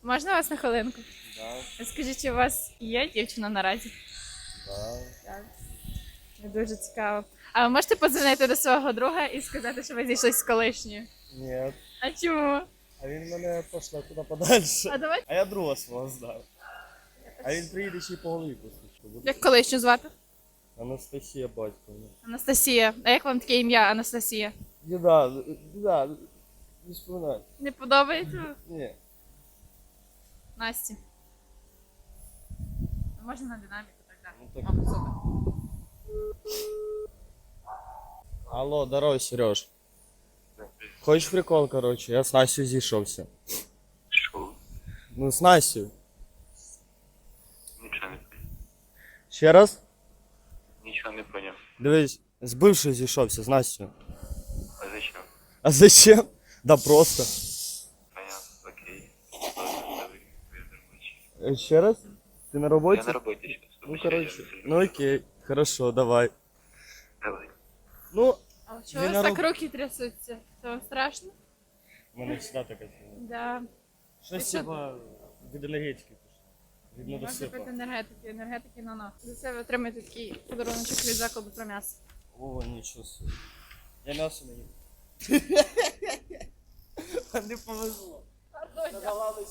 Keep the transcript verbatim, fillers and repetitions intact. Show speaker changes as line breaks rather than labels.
Можна вас на хвилинку?
Да,
Скажіть, чи у вас є дівчина наразі?
да.
Так. Дуже цікаво. А ви можете подзвонити до свого друга і сказати, що ви зійшлися з колишньою?
Ні.
А чому?
А він мене пошле куди подальше.
А давай.
А я друга свого знав. А він приїде ще й по голові послухав.
Як колишню звати?
Анастасія батьковна.
Анастасія. А як вам таке ім'я Анастасія?
Діда, діда, не споминай.
Не подобається?
Ні.
Насті. Можна на динаміку так
Ну,
далі.
так.
О, супер.
Алло, здорово, Сереж. Хочеш прикол, короче? Я з Настю зійшовся.
Що?
Ну, з Настю.
Нічого не поняв.
Ще раз?
Нічого не поняв.
Дивись, з бившою зійшовся, з Настю.
А зачем?
А зачем? Да просто.
Понятно, окей. Ладно, добре. Я на роботі.
Е, Ще раз? Ти на роботі?
Я на роботі зараз.
Ну, короче. Ну окей, хорошо, давай.
Давай.
Ну,
А чого у
Він
вас
на
так
роб-
руки трясуться? Це вам страшно?
у мене завжди така фігня.
Да.
Щось
Ти що?
типа від енергетики пішло. Від
Можна
недосипа.
пити енергетики, енергетики на на. За це ви отримаєте такий подаруночок від закладу про м'ясо.
О, нічого собі. Я м'ясо не їм. Не повезло.